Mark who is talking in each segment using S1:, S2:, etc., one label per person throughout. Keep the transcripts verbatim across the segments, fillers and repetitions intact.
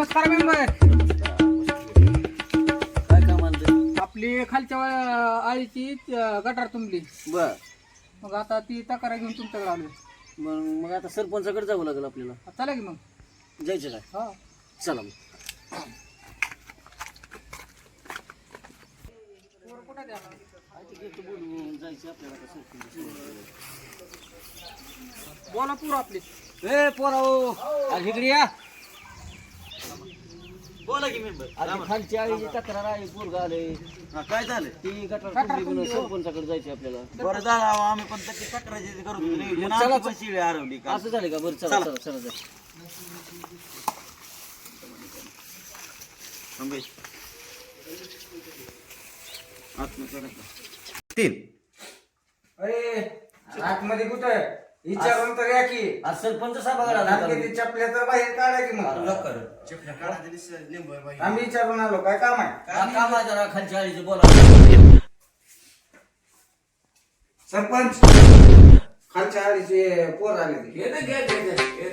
S1: नमस्कार मेंबर.
S2: काय काम आणलं?
S1: आपली खालच्या वा- आळीची अं, गटार तुंबली.
S2: बर
S1: मग आता ती तक्रार घेऊन तुमच्याकडे आलोय.
S2: मग मग आता सरपंचाकडे जावं लागेल आपल्याला.
S1: चला की मग.
S2: जायचं काय?
S1: हा
S2: चला मग.
S1: पोरं कुठं द्या?
S2: काय ते घेतो बोलून जायचं आपल्याला आता सरपंच.
S1: बोला पोरं आपली.
S2: ए पोराओ, आज इकडे या. बोला की मेंबर. आता खालची आळीची तक्रार आहे, पोरगा आले.
S3: काय झालं?
S2: ती गटार
S1: गटार
S2: तुंबली म्हणून
S1: तुंबली, हो.
S2: सरपंचाकडे जायचं आपल्याला.
S3: बरं झालं अहो, आम्ही पण तशी तक्रारी करत होतो. नियोजन
S2: मग चला,
S3: आमची पण शिळी हरवली का?
S2: असं झालं का? बरं चला चला चला जा.
S3: थांबे. आतमध्ये करा का? तीन.
S4: अरे आतमध्ये कुठं विचारून तर या की
S2: आज सरपंच सभागृहात आला होता.
S4: किती चपल्या तर बाहेर काढा की मग आम्ही विचारून आलो काय काम आहे
S2: हा, काम आहे जरा खालच्या आळीचं बोला.
S4: सरपंच खालच्या आळीचे पोर आले ते.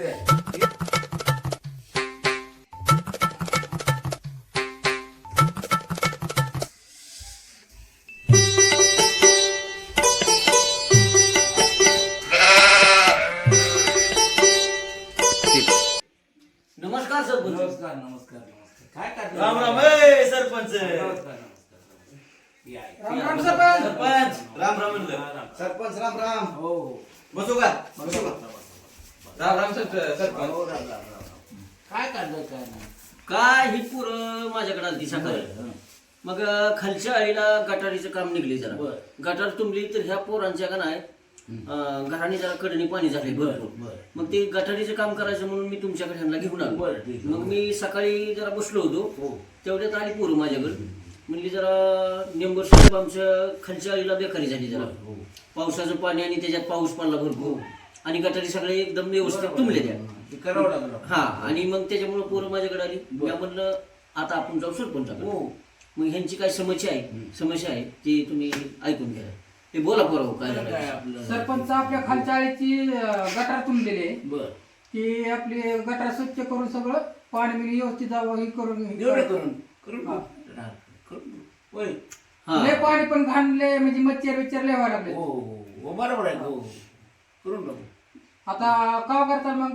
S2: नमस्कार सरपंच.
S5: नमस्कार नमस्कार नमस्कार काय करतो
S3: राम राम ए सरपंच.
S5: नमस्कार नमस्कार या या.
S1: राम राम सरपंच.
S3: सरपंच राम राम म्हणलं.
S4: सरपंच राम राम
S5: हो हो
S3: बसू का?
S5: बसा, बसा, बसा.
S4: राम राम सरपंच
S5: हो, राम, राम, राम, राम. काय काढलं काय नाही
S2: काय ही पोरं माझ्याकडे आली सकाळी.
S5: हं.
S2: मग अं, खालच्या आळीला गटारीचं काम निघले जरा.
S5: बर.
S2: गटार तुंबली तर ह्या पोरांच्या का नाही अं, घराने जरा कडणी पाणी झाले भरपूर.
S5: बर.
S2: मग ते गटारीचं काम करायचं म्हणून मी तुमच्याकडे ह्यांना घेऊन आलो.
S5: बर, ठीक आहे.
S2: मग मी सकाळी जरा बसलो होतो,
S5: हो.
S2: तेवढ्यात आली पोरं माझ्याकडे. म्हणली जरा नेंबर साहेब आमच्या खालच्या आळीला बेकारी झाली जरा.
S5: हो.
S2: पावसाचं पाणी आणि त्याच्यात पाऊस पडला भरपूर आणि गटारी सगळे एकदम व्यवस्थित तुंबले त्या.
S5: ते करावं लागलं
S2: हा आणि मग त्याच्यामुळे पोरं माझ्याकडे आली. मी म्हणलं आता आपण जाऊ सरपंचाकडे.
S5: हो
S2: मग ह्यांची काय समस्या आहे समस्या आहे ती तुम्ही ऐकून घ्या. ते बोला पोरं काय
S5: काय
S2: झालं.
S5: आपलं
S1: सरपंच आपल्या खालच्या आळीची अं, गटार तुंबलेली आहे.
S5: बर
S1: ती आपली गटार स्वच्छ करून सगळं पाणी बिणी व्यवस्थित जावं ही करून हे
S5: एवढं
S1: करून.
S5: करून करून
S1: हा.
S5: हा, करून होय
S2: हा
S1: लय पाणी पण घाणले म्हणजे मच्छर बिच्छर लय व्हायला लागले.
S5: हो हो हो बरोबर आहे हो करून टाकू.
S1: आता का करता मग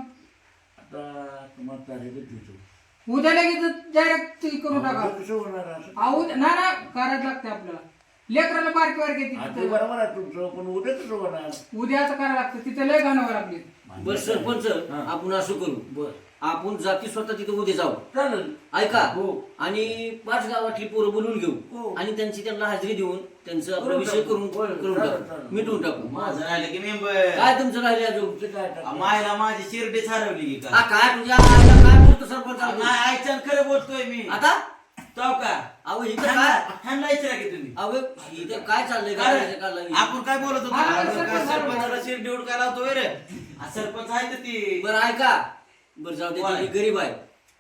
S5: आता तुम्हाला तारीख देतो
S1: उद्या लगेच डायरेक्ट करून टाका.
S5: कसं होणार असं?
S1: अहो, उद्या- ना ना करायला लागते आपल्याला. लेकराला बारकी बारकी
S5: हा, ते
S1: तिथं
S5: बरोबर आहे तुमचं पण उद्या कसं होणार
S1: उद्याच करायला लागतं तिथे लय घाणावर लागली.
S2: बर सरपंच
S5: हा.
S2: आपण असं करू
S5: बर
S2: आपण जाती स्वतः तिथे उद्या जाऊ.
S5: चालेल
S2: ऐका
S5: हो.
S2: आणि पाच गावातली पोरं बोलून घेऊ
S5: हो.
S2: आणि त्यांची त्यांना हाजरी देऊन त्यांचा आपला
S5: करून
S2: विषय
S5: टाकू.
S2: करून
S5: होय,
S2: करून
S5: चालेल,
S2: टाकू
S5: चालेल.
S2: मिटवून टाकू.
S3: माझं राहिलं की मेंबर.
S2: काय तुमचं राहिले अजून.
S5: ते काय टाकलं?
S3: मायला माझी शिरडीच हरवली की
S2: हा
S3: का?
S2: काय तुझ्या आईला काय बोलतो सरपंच
S3: नाही आयच्यान खरं बोलतोय मी.
S2: आता
S3: तो का?
S2: अहो इथं
S3: ह्यांना
S2: काय
S3: ह्यांना विचारा की तुम्ही.
S2: अहो इथं काय चाललंय
S3: काय?
S2: काय काय
S3: आपण काय बोलत होतो?
S1: हा,
S3: आपण
S1: सरपंच
S3: काय
S1: बरोबर.
S3: सरपंचाला शिरडी उडकायला होतो रे. हा, सरपंच आहे तर ती.
S2: बरं ऐका बरं जाऊ दे
S3: कोण
S2: ती
S3: आहे?
S2: बी गरीब आहे.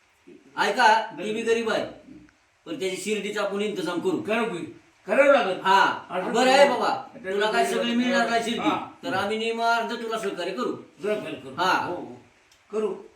S2: ऐका ती बी गरीब आहे पण त्याची शिर्डीचा आपण इंतजाम करू.
S5: करू की? करावं लागेल
S2: हा
S5: असं
S2: बरं आहे
S5: करू.
S2: बाबा तुला काय सगळी मिळणार काय शिर्डी
S5: हा.
S2: तर आम्ही नियम अर्ध तुला सहकार्य करू.
S5: जरा करू.
S2: हा.
S5: हो, हो. करू